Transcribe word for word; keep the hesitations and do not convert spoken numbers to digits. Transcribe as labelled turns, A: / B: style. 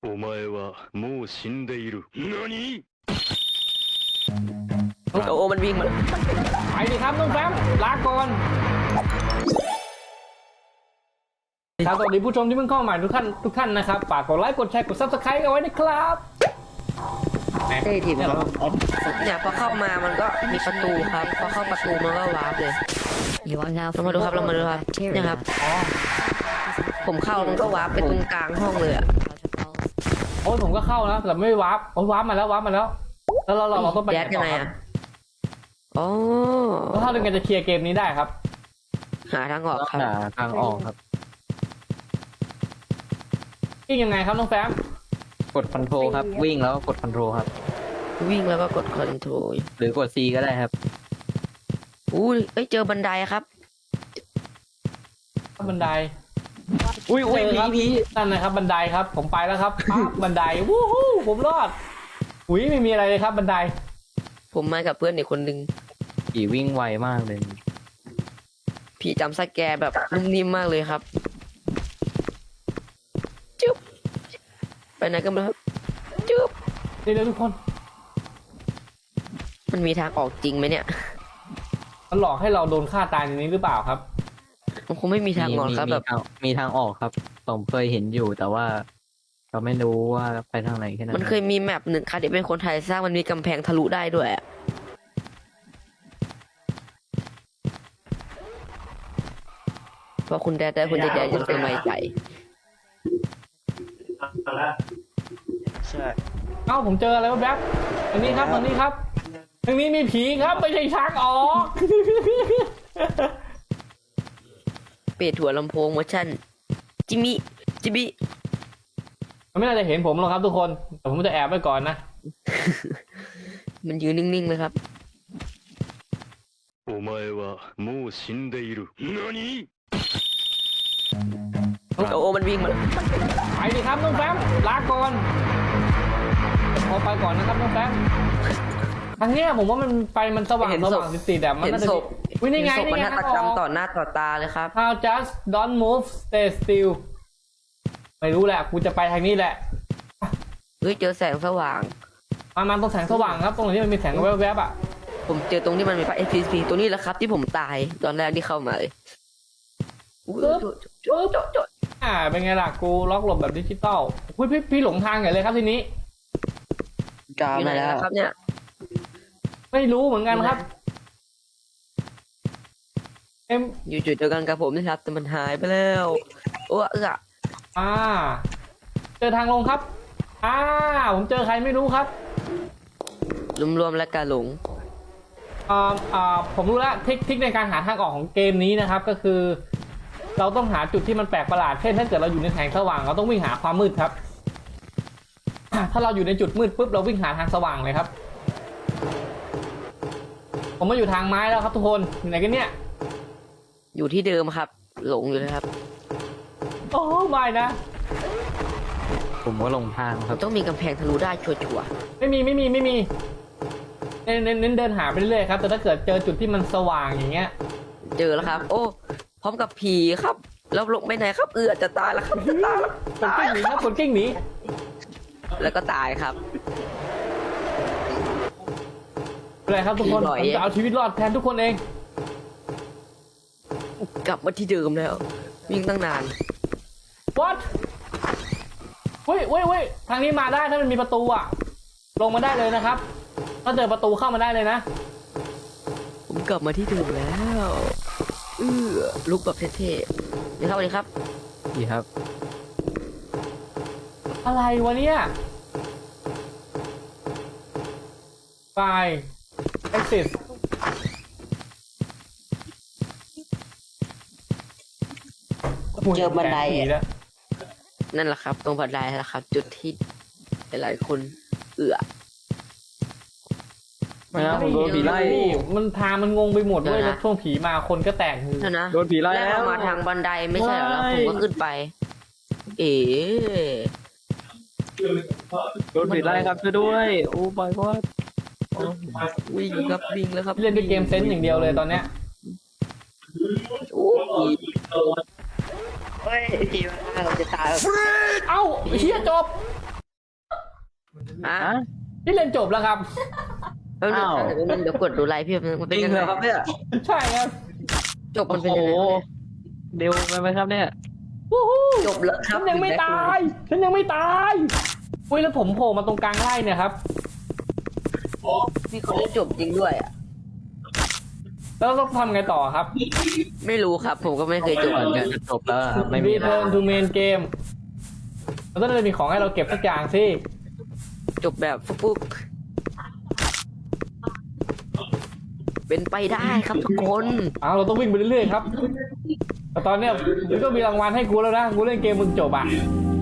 A: お前はもう死んでいる。何
B: โอ้โหมันวิ่งมา
C: ไปดิครับน้องแฟมลาก่อนครับสวัสดีผู้ชมที่เพิ่งเข้ามาใหม่ทุกท่านทุกท่านนะครับฝากกดไลค์กดแชร์กดซับสไครต์เอาไว้นะครับ
B: เต้ทีมเขาเนี่ยพอเข้ามามันก็มีประตูครับพอเข้าประตูมันก็วาร์ปเลย
D: You are now
B: เรามาดูครับเรามาดูครับเนี่ยครับผมเข้ามันก็วาร์ปไปตรงกลางห้องเลยอะ
C: โอ้ยผมก็เข้านะแต่ไม่วาร์ปโอ้ยวาร์ปมาแล้ววาร์ปมาแล้วแล้วเราเราเราต้องไป
B: แยกยังไงอะอ๋อ
C: แล้วถ้าเราจะเคลียร์เกมนี้ได้ครับ
B: หาทางออกครับ
E: หาทางออกครับ
C: ยิ่งยังไงครับน้องแฟม
E: กดคอนโทรลครับ วิ่งแล้วก็กดคอนโทรลครับ
B: วิ่งแล้วก็กดคอนโทรล
E: หรือกด C ก็ได้ครับ
B: อู้ยเอ้ยเจอบันไดครับ
C: บันได
E: อุ้ยอุ้ย
C: เจอ
E: ผี
C: ครับ
E: ผี
C: นั่นนะครับบันไดครับ ผมไปแล้วครับปั๊บบันไดวู้ฮู้ผมรอดอุ้ยไม่มีอะไรเลยครับบันได
B: ผมมากับเพื่อนอีกคนนึง
E: ผีวิ่งไวมากเลย
B: พี่จำสแกร์แบบนุ่มนิ่มมากเลยครับจุ๊บไปไหนกันบ้างครับจุ๊บ
C: เดี๋ยวๆทุกคน
B: มันมีทางออกจริงไหมเนี่ย
C: มันหลอกให้เราโดนฆ่าตายในนี้หรือเปล่าครับ
B: มันคงไม่มีทางออกครับ
E: มี
B: แบบ
E: ทางมีทางออกครับผมเคยเห็นอยู่แต่ว่าเราไม่รู้ว่าไปทางไหนแค่นั้น
B: มันเคยมีแมปหนึ่งค่ะที่เป็นคนไทยสร้างมันมีกำแพงทะลุได้ด้วยอะเพราะคุณแดดได้คุณแดดจะเป็นไม้ใจ
C: เอ้าผมเจออะไรวะแบ๊บอันนี้ครับอันนี้ครับทางนี้มีผีครับไม่ใช่ช้างออก
B: เปิดถั่วลำโพงเวอร์ชันจิมิจิบิ
C: มันไม่น่าจะเห็นผมหรอกครับทุกคนแต่ผมจะแอบไว้ก่อนนะ
B: มันยืนนิ่งๆเลยครับ
A: お前はもう死んでいる。何
B: โอ้โหมันวิ่งมา
C: ไปดิครับน้องแฟมลาก่อนขอไปก่อนนะครับน้องแฟมทางเนี้ยผมว่ามันไปมันสว่างสว่างติดๆแต่มัน
B: เห็น
C: น่าจะ
B: ศพ
C: วินี่ไง
B: เห็นศพ
C: นี่
B: มัน
C: ไง
B: ฆาตกรรมต่อหน้าต่อตาเลยครับ
C: How just don't move stay still ไม่รู้แหละกูจะไปทางนี้แหละ
B: เฮ้ยเจอแสงสว่าง
C: มามาตรงแสงสว่างครับตรงนี้มันมีแสงแวบๆอ่ะ
B: ผมเจอตรงที่มันมีไฟ เอฟ พี ซี ตัวนี้แหละครับ ที่ผมตายตอนแรกที่เข้ามาเลยอุ๊ยโจ๊ะโจ๊ะโจ๊ะ
C: อ่าเป็นไงล่ะกูล็อกหลบแบบดิจิตอลพี่พี่พี่หลงทางใหญ่เลยครับทีนี้
E: กา
B: อยู่ไหน
E: มาแล้ว
B: แล้วครับเนี่ย
C: ไม่รู้เหมือนกันครับเอ็ม
B: อยู่จุดเดียวกันกับผมนะครับแต่มันหายไปแล้วโอ้เออ
C: อ่าเจอทางลงครับอ่าผมเจอใครไม่รู้ครับ
B: รวมๆแล้วกาหลง
C: อ่าอ่าผมรู้แล้วเทคนิคในการหาทางออกของเกมนี้นะครับ ก็คือ เราต้องหาจุดที่มันแปลกประหลาดเช่นถ้าเกิดเราอยู่ในแสงสว่างเราต้องวิ่งหาความมืดครับ ถ้าเราอยู่ในจุดมืดปุ๊บเราวิ่งหาทางสว่างเลยครับ ผมมาอยู่ทางไม้แล้วครับทุกคนอยู่ไหนกันเนี่ย
B: อยู่ที่เดิมครับ หลงอยู่เลยครับ
C: โอ้ไม่นะ
E: ผมก็ลงทางครับ
B: ต้องมีกำแพงทะลุได้ชัวร์
C: ไม่มีไม่มีไม่มีเน้นเน้นเน้นเดินหาไปเรื่อยๆครับแต่ถ้าเกิดเจอจุดที่มันสว่างอย่างเงี้ย
B: ๆเจอแล้วครับ โอ้พร้อมกับผีครับแล้วลงไปไหนครับเอือจะตายแล้วครับจะตายแล้ว
C: กดกิ้งหนีครับกดกิ้งหนี
B: แล้วก็ตายครับ
C: อะไรครับทุกคน
B: ผีบ่อย
C: ผมจะเอาชีวิตรอดแทนทุกคนเอง
B: กลับมาที่เดิมแล้ว วิ่งตั้งนาน
C: what เฮ้ยเฮ้ยเฮ้ยทางนี้มาได้ถ้ามันมีประตูอะลงมาได้เลยนะครับ ถ้าเจอประตูเข้ามาได้เลยนะ
B: ผมกลับมาที่เดิมแล้วเออลุกแบบเท่ๆนี่ครับสวัสดีครับ
E: ดีครับ
C: อะไรวะเนี่ยไป exit
B: เจอบันไดอะ
C: ผีแล้ว
B: นั่นแหละครับ ตรงบันไดนั่นแหละครับ จุดที่หลายๆคนเอือ
E: ไม่นะผมโดนผีไล่
C: มันทางมันงงไปหมดเว้ย
B: เดี๋ยวนะ
C: แล้วช่วงผีมาคนก็แตกคือ
B: นั่นนะ
E: โดนผีไล่
B: แรก
E: แล้ว
B: เรามาทางบันไดไม่ใช่เหรอแล้วผมก็ขึ้นไป เอ๋
E: โดนผีไล่ครับช่วยด้วยโอ้บอยก็
B: วิ่งครับวิ่งแล้วครับ
C: เล่นด้วยเกมเซนส์อย่างเดียวเลยตอนเนี้ย
B: โอ้ผีเฮ้ยผีมาเราจะตาย
C: เอ้าเฮียจบ
B: อ่ะ
E: ฮะ
C: พี่เล่นจบแล้วครับ
B: แป๊บนึง
E: อ้าว
B: เดี๋ยวเดี๋ยวกดดูไลฟ์พี่มัน
E: จ
B: เป็น
E: ริง
B: ยัง
E: เห
B: ไง
E: รอครับเนี่ย
C: ใช่ครับ
B: จบมันเป็น
E: โอ้
B: ยัง
E: โห
B: ไง
E: เร็วไปไหมครับเนี่ย
C: วู้ฮู้
B: จบแล้วครั
C: ฉั
B: บ
C: นยังไม่ตาย ฉันยังไม่ตายอุ้ยแล้วผมโผล่มาตรงกลางไร่เนี่ยครับ
B: มีคนได้จบจริงด้วยอ่ะ
C: แล้วต้องทำไงต่อครับ
B: ไม่รู้ครับ ผมก็ไม่เคยจบเหมือนกัน
E: จะจบแล้วอะครับไม่มีแล้ว
C: Return to main game เราต้องจะมีของให้เราเก็บสักอย่างสิ
B: จบแบบฟุกๆเป็นไปได้ครับทุกคน
C: อ้าวเราต้องวิ่งไปเรื่อยๆครับแต่ตอนเนี้ยมันก็มีรางวัลให้กูแล้วนะ กูเล่นเกมมึงจบอ่ะ